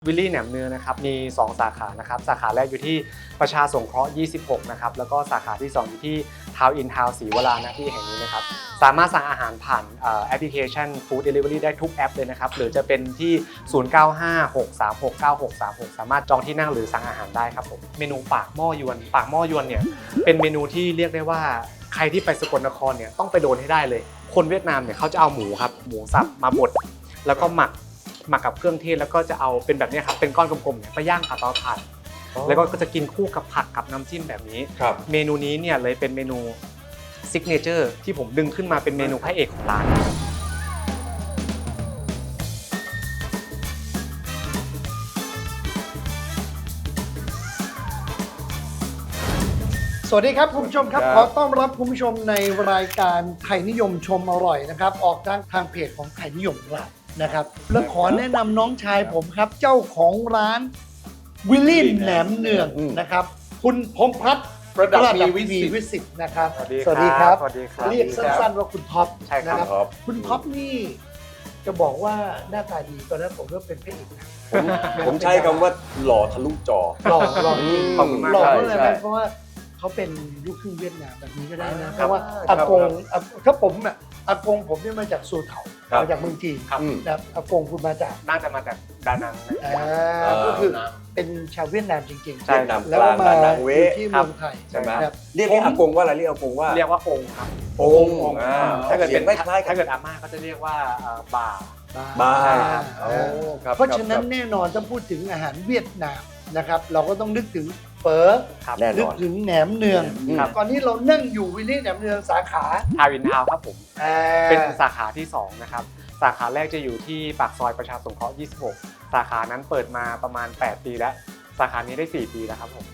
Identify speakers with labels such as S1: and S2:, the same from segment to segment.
S1: วิลลี่แหนมเนืองนะครับมี2สาขานะครับสาขาแรกอยู่ที่ประชาสงเคราะห์26นะครับแล้วก็สาขาที่2อยู่ที่ทาวน์อินทาวน์ศรีวรานะที่แห่งนี้นะครับสามารถสั่งอาหารผ่านแอปพลิเคชัน Food Delivery ได้ทุกแอปเลยนะครับหรือจะเป็นที่0956369636สามารถจองที่นั่งหรือสั่งอาหารได้ครับผมเมนูปากหม้อยวนเนี่ยเป็นเมนูที่เรียกได้ว่าใครที่ไปสกลนครเนี่ยต้องไปโดนให้ได้เลยคนเวียดนามเนี่ยเขาจะเอาหมูครับหมูสับมาบดแล้วก็หมักกับเครื่องเทศแล้วก็จะเอาเป็นแบบนี้ครับเป็นก้อนกลมๆเนี่ยไปย่างกับเตาถ่านแล้วก็จะกินคู่กับผักกับน้ำจิ้มแบบนี้เมนูนี้เนี่ยเลยเป็นเมนูซิกเนเจอร์ที่ผมดึงขึ้นมาเป็นเมนูพระเอกของร้าน
S2: สวัสดีครับคุณผู้ชมครับขอต้อนรับคุณผู้ชมในรายการไทยนิยมชมอร่อยนะครับออกทางเพจของไทยนิยมเรานะครับแล้วขอแนะนำน้องชายผมครับเจ้าของร้านวิลลี่แหนมเนืองนะครับคุณพงษ์พัฒน์ประดับมีวิสิทธิ์นะครับสวัสดีครับเรียกสั้นๆว่าคุณท็อปนะครับคุณท็อปนี่จะบอกว่าหน้าตาดีตอนนั้นผมก็เป็นพระเอกนะ
S3: ผมใช้คำว่าหล่อทะลุจอ
S2: หล่อจริง
S1: ขอบคุณมาก
S2: หล่อเพราะอะไรเพราะว่าเขาเป็นลูกครึ่งเวียดนามแบบนี้ก็ได้นะเพราะว่าอากงถ้าผมอ่ะอากงผมเนี่ยมาจากซูเถามาจากเมืองจีนนะอากงคุณมาจาก
S1: น่าจะมาจากดานัง
S2: ก็คือเป็นชาวเวียดนามจริงๆ
S3: เวียดนามกลางดานังเว
S2: ที่เมืองไทย
S3: ใช่ไหมเรียกอากงว่าอะไรเรียกอากงว่า
S1: องค์ครับ
S3: องค์
S1: ถ้าเกิดเป็นถ้าเกิดอาม่าก็จะเรียกว่าบ่า
S3: ใช่ครับ
S2: เพราะฉะนั้นแน่นอนถ้าพูดถึงอาหารเวียดนามนะครับเราก็ต้องนึกถึงเฝอนึกถึงแหนมเนืองตอนนี้เรานั่งอยู่วิลลี่แหนมเนืองสาขา
S1: ทาวน์อินทาวน์ครับผมเป็นสาขาที่2นะครับสาขาแรกจะอยู่ที่ปากซอยประชาสงเคราะห์26สาขานั้นเปิดมาประมาณ8ปีแล้วสาขานี้ได้4ปีแล้วครับผม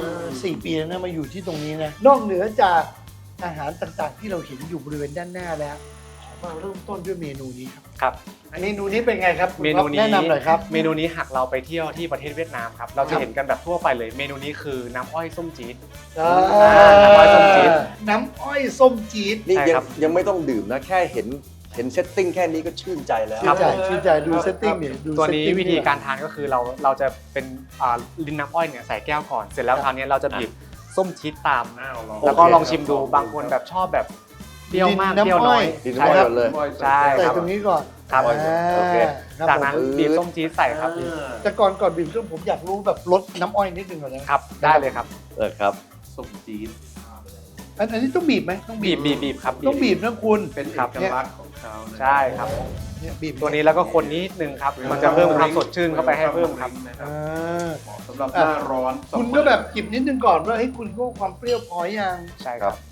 S2: 4ปีแล้วนะมาอยู่ที่ตรงนี้นะนอกเหนือจากอาหารต่างๆที่เราเห็นอยู่บริเวณด้านหน้าแล้วมาเริ่มต้นด้วยเมนูนี้ครับเมนูนี้เป็นไงครับ
S1: เมนูนี้
S2: แนะนำหน่อยครับ
S1: เมนูนี้หากเราไปเที่ยวที่ประเทศเวียดนามครับเราจะเห็นกันแบบทั่วไปเลยเมนูนี้คือน้ำอ้อยส้มจี๊ด
S2: น้ำอ้อยส้มจี๊ดน้ำอ้อยส้มจี๊ด
S3: นี่ยังไม่ต้องดื่มนะแค่เห็นเซตติ้งแค่นี้ก็ชื่นใจแล้ว
S2: ชื่นใจดูเซตติ้งเนี่ย
S1: ตัวนี้วิธีการทานก็คือเราจะเป็นลิ้นน้ำอ้อยเนี่ยใส่แก้วก่อนเสร็จแล้วคราวนี้เราจะบีบส้มจี๊ดตามแล้วก็ลองชิมดูบางคนแบบชอบแบบเปรี้ยวมากเปรี้ยวน้อย
S3: ใช่ครับ
S1: ใช่
S2: ใส่ตรงนี้ก่อน
S1: ครับจากนั้นบีบส้มจี๊ดใส่ครับ
S2: แต่ก่อนบีบส้มผมอยากรู้แบบรสน้ำอ้อยนิดนึงก่อนนะครับ
S1: ได้เลยครับ
S3: ครับ
S4: ส้มจี๊ด
S2: อันนี้ต้องบีบไหมต้อง
S1: บีบครับ
S2: ต้องบีบนะคุณ
S4: เป็นเอกลักษณ์ของเขา
S1: ใช่ครับ
S2: เนี่ยบีบ
S1: ตัวนี้แล้วก็คนนิดนึงครับมันจะเพิ่มความสดชื่นเข้าไปให้เพิ่มครับ
S4: สำหรับหน้าร้อน
S2: คุณก็แบบจิบนิดนึงก่อนว่าให้คุณก็ความเปรี้ยวพอยัง
S1: ใช่ครับ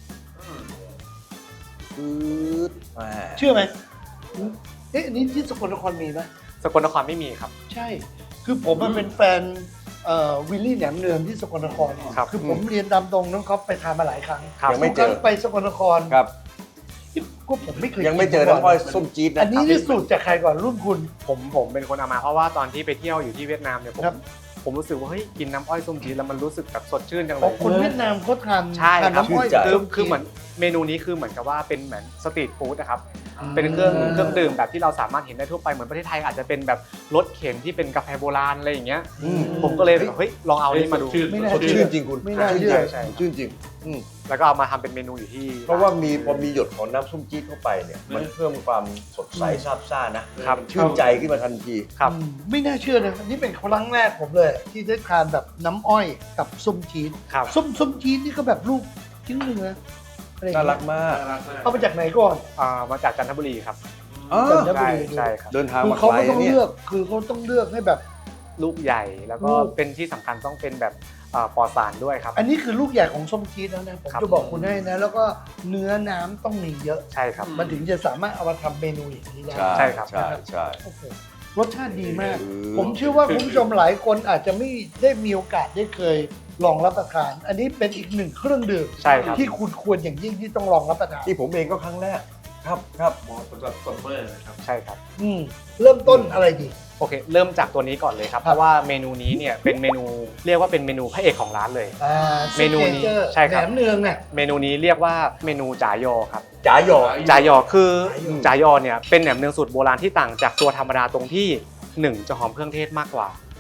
S2: เชื่อไหมอันนี้ที่สกลนครมีไหม
S1: สกลนครไม่มีครับ
S2: ใช่คือผมเป็นแฟนวิลลี่แหนมเนืองที่สกลนครคือผมเรียนตามตรงน้องเขาไปทานมาหลายครั้ง
S3: ยังไม่เจอ
S2: ไปสกลนคร
S3: ครับ
S2: ก็ผมไม่เคย
S3: ยังไม่เจอน้ำอ้อยส้มจี๊ดนะ
S2: อันนี้นี่สูตรจากใครก่อนรุ่นคุณ
S1: ผมเป็นคนเอามาเพราะว่าตอนที่ไปเที่ยวอยู่ที่เวียดนามเนี่ยผมรู้สึกว่าเฮ้ยกินน้ำอ้อยส้มจี๊ดแล้วมันรู้สึกแบบสดชื่นจังเลย
S2: คนเวียดนามเขาทาน
S1: น้ำอ้อยคือเหมือนเมนูนี้คือเหมือนกับว่าเป็นเหมือนสตรีทฟู้ดนะครับเป็นเครื่องดื่มแบบที่เราสามารถเห็นได้ทั่วไปเหมือนประเทศไทยอาจจะเป็นแบบรสเข็นที่เป็นกาแฟโบราณอะไรอย่างเงี้ยผมก็เลยเฮ้ยลองเอานี้มาดู
S2: ไม่น่า
S3: ชื่นจริงคุณ
S2: ไม่น่าเชื่อ
S3: ชื่นจริง
S1: แล้วก็เอามาทำเป็นเมนูอยู่ที่
S3: เพราะว่าพอมีหยดของน้ำส้มจี๊ดเข้าไปเนี่ยมันเพิ่มความสดใสซาบซ่านะครับชื่นใจขึ้นมาทันที
S1: ครับ
S2: ไม่น่าเชื่อนะนี่เป็นครั้งแรกผมเลยที่ได้ทานแบบน้ำอ้อยกับส้มจี๊ดส้มจี๊ดนี่ก็แบบลูกชิ้นนึงนะ
S3: น่ารักมาก
S2: เอามาจากไหนก่อน
S1: มาจากจันทบุรีครับ
S2: จันทบุรี
S1: ใช่ครับ
S3: เดินทางมาไกล
S2: เขาก็ต้องเลือกคือเขาต้องเลือกให้แบบ
S1: ลูกใหญ่แล้วก็เป็นที่สำคัญต้องเป็นแบบปลอดสารด้วยครับ
S2: อันนี้คือลูกใหญ่ของส้มจี๊ดแล้วนะผมจะบอกคุณให้นะแล้วก็เนื้อน้ำต้องมีเยอะ
S1: ใช่ครับ
S2: มันถึงจะสามารถเอามาทำเมนูอย่างนี้ได้
S1: ใช่ครับ
S3: ใช่
S2: รสชาติดีมากผมเชื่อว่าคุณผู้ชมหลายคนอาจจะไม่ได้มีโอกาสได้เคยลองรับประทานอันนี้เป็นอีกหนึ่งเครื่องดื่มที่คุณควรอย่างยิ่งที่ต้องลองรับประทาน
S3: ที่ผมเองก็ครั้งแรกครับ
S4: เหมาะสำหรับซัมเมอร์นะครับ
S1: ใช่ครับ
S2: เริ่มต้นอะไรดี
S1: โอเคเริ่มจากตัวนี้ก่อนเลยครับเพราะว่าเมนูนี้เนี่ยเป็นเมนูเรียกว่าเป็นเมนูพระเอกของร้านเลยเมนูนี้ใช่ครับ
S2: แหนมเนืองเนี่ย
S1: เมนูนี้เรียกว่าเมนูจ่ายอครับ
S3: จ่าย
S1: อคือจ่ายอเนี่ยเป็นแหนมเนืองสูตรโบราณที่ต่างจากตัวธรรมดาตรงที่1จะหอมเครื่องเทศมากกว่า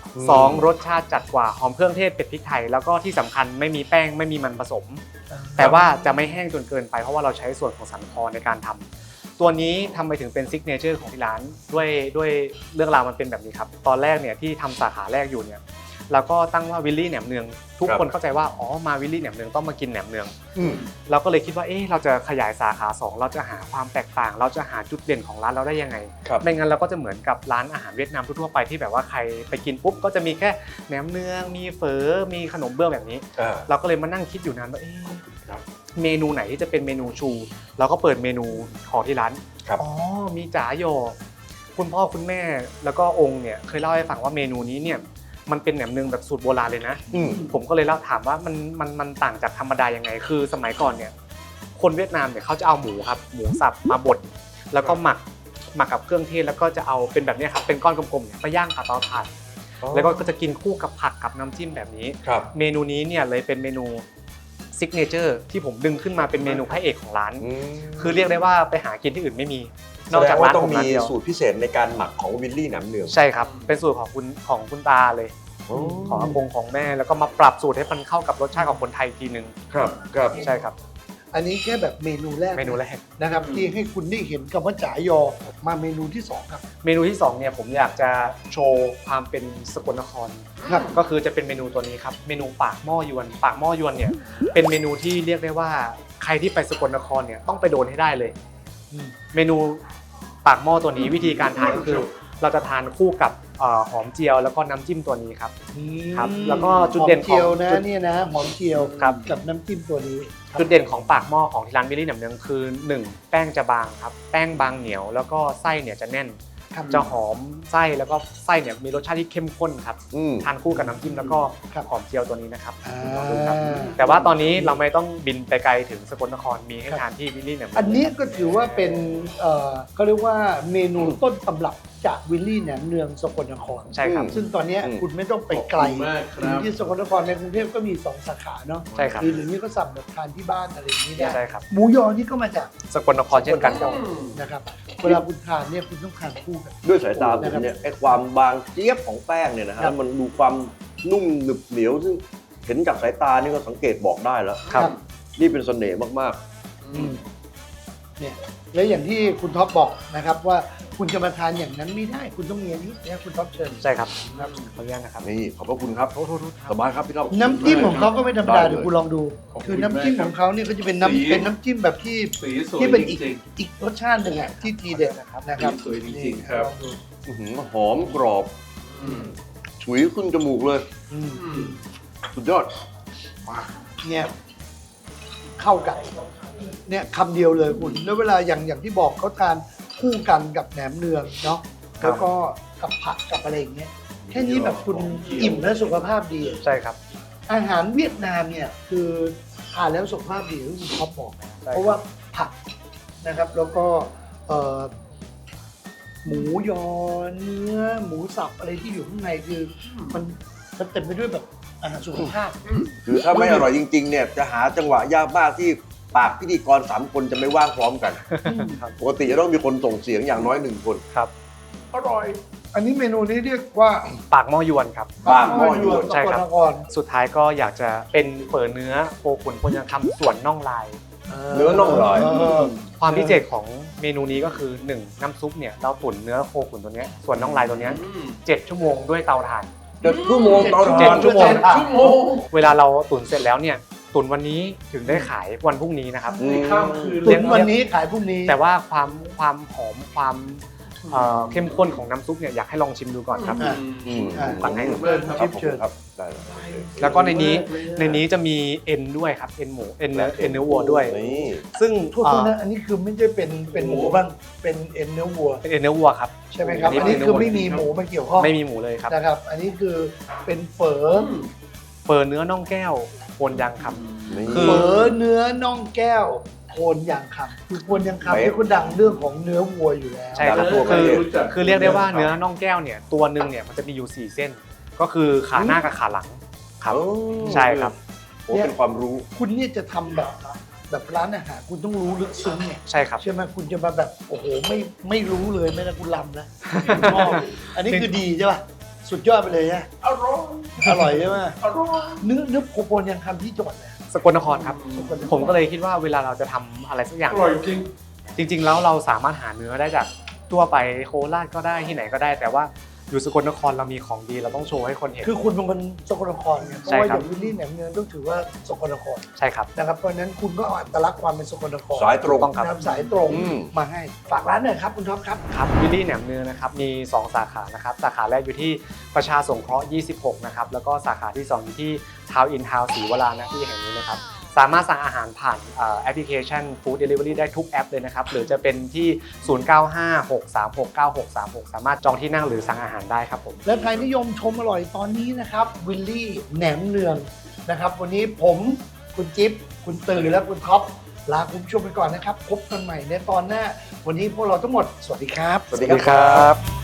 S1: 2รสชาติจัดกว่าหอมเครื่องเทศเผ็ดพริกไทยแล้วก็ที่สำคัญไม่มีแป้งไม่มีมันผสม แต่ว่าจะไม่แห้งจนเกินไปเพราะว่าเราใช้ส่วนของสันคอในการทำตัวนี้ทำไมถึงเป็นซิกเนเจอร์ของที่ร้านด้วยเรื่องราวมันเป็นแบบนี้ครับตอนแรกเนี่ยที่ทำสาขาแรกอยู่เนี่ยเราก็ตั้งว่าวิลลี่แหนมเนืองทุกคนเข้าใจว่าอ๋อมาวิลลี่แหนมเนืองต้องมากินแหนมเนืองเราก็เลยคิดว่าเราจะขยายสาขา2เราจะหาความแตกต่าง เราจะหาจุดเด่นของร้านเราได้ยังไงไม่งั้นเราก็จะเหมือนกับร้านอาหารเวียดนามทั่วๆไปที่แบบว่าใครไปกินปุ๊บก็จะมีแค่แหนมเนืองมีเฝอมีขนมเบื้องแบบนี้เราก็เลยมานั่งคิดอยู่นานว่าเมนูไหนที่จะเป็นเมนูชูเราก็เปิดเมนูของที่ร้านอ๋อมีจ๋าโยคุณพ่อคุณแม่แล้วก็องค์เนี่ยเคยเล่าให้ฟังว่าเมนูนี้เนี่ยมันเป็นแหนมเนืองแบบสูตรโบราณเลยนะผมก็เลยเล่าถามว่ามันต่างจากธรรมดายังไงคือสมัยก่อนเนี่ยคนเวียดนามเนี่ยเขาจะเอาหมูครับหมูสับมาบดแล้วก็หมักกับเครื่องเทศแล้วก็จะเอาเป็นแบบนี้ครับเป็นก้อนกลมๆเนี่ยไปย่างกับเตาถ่านแล้วก็จะกินคู่กับผักกับน้ำจิ้มแบบนี้เมนูนี้เนี่ยเลยเป็นเมนูซิกเนเจอร์ที่ผมดึงขึ้นมาเป็นเมนูพระเอกของร้านคือเรียกได้ว่าไปหากินที่อื่นไม่มีนอกจากร้านผมร้านเดียว
S3: สูตรพิเศษในการหมักของวิลลี่แหนมเนือง
S1: ใช่ครับเป็นสูตรของคุณตาเลยของอากงของแม่แล้วก็มาปรับสูตรให้มันเข้ากับรสชาติของคนไทยทีนึง
S3: ครับ
S1: ใช่ครับ
S2: อันนี้แค่แบบเมนูแรกนะครับที่ให้คุณได้เห็นคำว่าจ๋ายอมาเมนูที่2ครับ
S1: เมนูที่2เนี่ยผมอยากจะโชว์ความเป็นสกลนครก็คือจะเป็นเมนูตัวนี้ครับเมนูปากหม้อยวนปากหม้อยวนเนี่ยเป็นเมนูที่เรียกได้ว่าใครที่ไปสกลนครเนี่ยต้องไปโดนให้ได้เลยเมนูปากหม้อตัวนี้วิธีการทานก็คือเราจะทานคู่กับหอมเจียวแล้วก็น้ำจิ้มตัวนี้ครับแล้วก็จุดเด่นของ
S2: เนี่ยนะหอมเจียวกับน้ำจิ้มตัวนี้
S1: จุดเด่นของปากหม้อของที่ร้านวิลลี่แหนมเนืองคือ1แป้งจะบางครับแป้งบางเหนียวแล้วก็ไส้เนี่ยจะแน่นจะหอมไส้แล้วก็ไส้เนี่ยมีรสชาติที่เข้มข้นครับทานคู่กับน้ำจิ้มแล้วก็หอมเจียวตัวนี้นะครับแต่ว่าตอนนี้เราไม่ต้องบินไปไกลถึงสกลนครมีให้ทานที่วิลลี่แหนมเนือง
S2: อันนี้ก็ถือว่าเป็นเขาเรียกว่าเมนูต้นตำรับจากวิลลี่แหนมเนืองสกลนคร
S1: ใช่ครับ
S2: ซึ่งตอนนี้คุณไม่ต้องไปไกลถึงที่สกลนครในกรุงเทพก็มี2สาขาเนาะ
S1: ใช่ครับ
S2: หรือนี้ก็สั่งแบบทานที่บ้านอะไรอย่างนี้ได้
S1: ใช่ครับ
S2: หมูยอนี่ก็มาจาก
S1: สกลนครเช่นกันครับ
S2: นะครับเวลาคุณทานเนี่ยคุณต้องทานคู่กัน
S3: ด้วยสายตาผมเนี่ยไอ้ความบางเจี๊ยบของแป้งเนี่ยนะฮะมันดูความนุ่มหนึบเหนียวซึ่งเห็นจากสายตานี่ก็สังเกตบอกได้แล้ว
S1: ครับ
S3: นี่เป็นเสน่ห์มาก
S2: ๆเนี่ยและอย่างที่คุณท็อปบอกนะครับว่าคุณจะมาทานอย่างนั้นไม่ได้คุณต้องมีอันนี้นะคุณท็อปเชิญ
S1: ใช่ครับขออนุญาตนะครับ
S3: นี่ขอบพระคุณครับสบายครับพี่ท็อป
S2: น้ำจิ้มของเขาก็ไม่ธรรมดาเดี๋ยวคุณลองดูคือน้ำจิ้มของเขาเนี่ยก็จะเป็นน้ำจิ้มแบบที่เป็นอีกรสชาติหนึ่งอ่ะที่ทีเด็ดนะครับ
S4: สวยจริงๆครับ
S3: หอมกรอบฉุยขึ้นจมูกเลยสุดยอด
S2: เนี่ยเข้ากันเนี่ยคำเดียวเลยคุณแล้วเวลาอย่างที่บอกเขาทานคู่กันกับแหนมเนืองเนาะแล้วก็กับผักกับอะไรอย่างเงี้ยแค่นี้แบบคุณอิ่มและสุขภาพดี
S1: ใช่ครับ
S2: อาหารเวียดนามเนี่ยคือทานแล้วสุขภาพดีที่คุณท็อปบอกเพราะว่าผักนะครับแล้วก็หมูยอเนื้อหมูสับอะไรที่อยู่ข้างในคือมันเต็มไปด้วยแบบอาหารสุขภาพ
S3: คือถ้าไม่อร่อยจริงๆเนี่ยจะหาจังหวะยากมากที่ปากพิธีกร3คนจะไม่ว่างพร้อมกันปกติจะต้องมีคนส่งเสียงอย่างน้อย1คน
S1: ครับ
S2: อร่อยอันนี้เมนูนี้เรียกว่า
S1: ปากหม้อยวนครับ
S3: ปากหม้อยวน
S1: ใช่ครับสุดท้ายก็อยากจะเป็นเฝอเนื้อโคขุนพลยังคำส่วนน่องลาย
S3: เนื้อน่องลาย
S1: ความพิเศษของเมนูนี้ก็คือ1น้ำซุปเนี่ยเราตุ๋นเนื้อโคขุนตัวนี้ส่วนน่องลายตัวนี้7 ชั่วโมงด้วยเตาถ่าน
S3: 7 ชั่วโมงเตาถ่าน
S1: 7 ชั่วโมงเวลาเราตุ๋นเสร็จแล้วเนี่ยตุนวันนี้ถึงได้ขายวันพรุ่งนี้นะครับ
S2: ตุนวันนี้ขายพรุ่งนี้
S1: แต่ว่าความหอมความเข้มข้นของน้ำซุปเนี่ยอยากให้ลองชิมดูก่อนครับ
S2: ตักให้ชิมเชิญครับ
S1: แล้วก็ในนี้จะมีเอ็นด้วยครับเอ็นหมูเอ็นเนื้อวัวด้วยซึ่ง
S2: ทุกคนนะอันนี้คือไม่ใช่เป็นหมูบ้างเป็นเอ็นเนื้อวัว
S1: เป็นเอ็นเนื้อวัวครับ
S2: ใช่ไหมครับอันนี้คือไม่มีหมูมาเกี่ยวข้อง
S1: ไม่มีหมูเลยครับ
S2: นะครับอันนี้คือเป็นเฝอ
S1: เนื้อน่องแก้วโคนยางคำ
S2: เฝอเนื้อน่องแก้วโคนยางคำคือโคนยางคำนี่ก็ดังเรื่องของเนื้อวัวอยู่แล้ว
S1: ใช่ครับคือเรียกได้ว่าเนื้อน่องแก้วเนี่ยตัวนึงเนี่ยมันจะมีอยู่4 เส้นก็คือขาหน้ากับขาหลังครับใช่ครับ
S3: โอ้เป็นความรู้
S2: คุณเนี่ยจะทำแบบร้านอาหารคุณต้องรู้ลึกซึ้งเนี่ย
S1: ใช่ครับ
S2: ใช่ไหมคุณจะมาแบบโอ้โหไม่รู้เลยไม่นะคุณลำนะอันนี้คือดีใช่ป่ะสุดยอดไปเลยนะ
S4: อร่อย
S2: อร่อยใช่ไหม
S4: อร่อย
S2: เนื้อโคโปนยังทำที่จังหวัดไหน
S1: สกลนครครับ
S2: สกลนคร
S1: ผมก็เลยคิดว่าเวลาเราจะทำอะไรสักอย่าง
S4: อร่อยจริง
S1: จริงๆแล้วเราสามารถหาเนื้อได้จากทั่วไปโคราชก็ได้ที่ไหนก็ได้ แต่ว่าอยู่สกลนครเรามีของดีเราต้องโชว์ให้คนเห็น
S2: คือคุณเป็นคนสกลนครไงเพราะ
S1: ใช่
S2: ว่า
S1: ค
S2: อ
S1: รับ
S2: ย่างวิลลี่แหนมเนืองต้องถือว่าสกลนคร
S1: ใช่ครับ
S2: นะครับเพราะฉะนั้นคุณก็เอาอัตลักษณ์ความเป็นสกลนคร
S3: สายตรง
S1: ต้องครับ
S2: นำสายตรง
S3: อืม
S2: มาให้ฝากร้านหน่อยครับคุณท็อปครับ
S1: ครับวิลลี่แหนมเนืองนะครับมี 2 สาขานะครับสาขาแรกอยู่ที่ประชาสงเคราะห์ 26 นะครับแล้วก็สาขาที่ 2 อยู่ที่ทาวน์อินทาวน์ศรีวรานะที่แห่งนี้นะครับสามารถสั่งอาหารผ่านแอปพลิเคชัน Food Delivery ได้ทุกแอปเลยนะครับหรือจะเป็นที่ 0956369636 สามารถจองที่นั่งหรือสั่งอาหารได้ครับผม
S2: และไทยนิยมชมอร่อยตอนนี้นะครับวิลลี่แหนมเนืองนะครับวันนี้ผมคุณจิ๊บคุณตื่นและคุณท็อปลาคุณผู้ชมไปก่อนนะครับพบกันใหม่ในตอนหน้า วันนี้พวกเราทั้งหมดสวัสดีครับ
S3: สวัสดีครับ